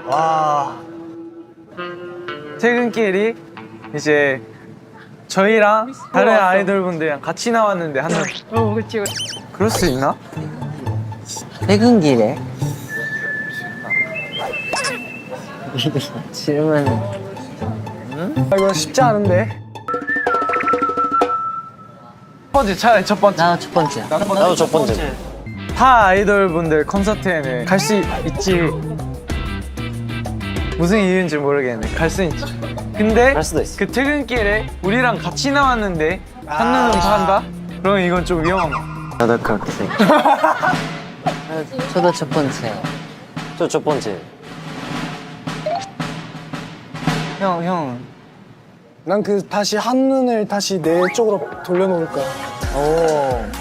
와. 퇴근길이 이제 저희랑 다른 아이돌 분들이랑 같이 나왔는데 한 명. 그치. 그럴 수 있나? 퇴근길에 질문. 아, 이거 쉽지 않은데. 첫 번째 차라리 첫 번째. 나도 첫 번째야. 나도 첫 번째. 타 아이돌 분들 콘서트에는 갈 수 있지. 무슨 이유인지 모르겠네. 갈 수 있지. 근데 갈 수도 있어. 그 퇴근길에 우리랑 같이 나왔는데 한눈은 판다? 그럼 이건 좀 위험한 거. 나도 그렇게 생각해. 저도 첫 번째. 저 첫 번째. 형. 난 그 다시 한눈을 다시 내 쪽으로 돌려놓을 거야. 오.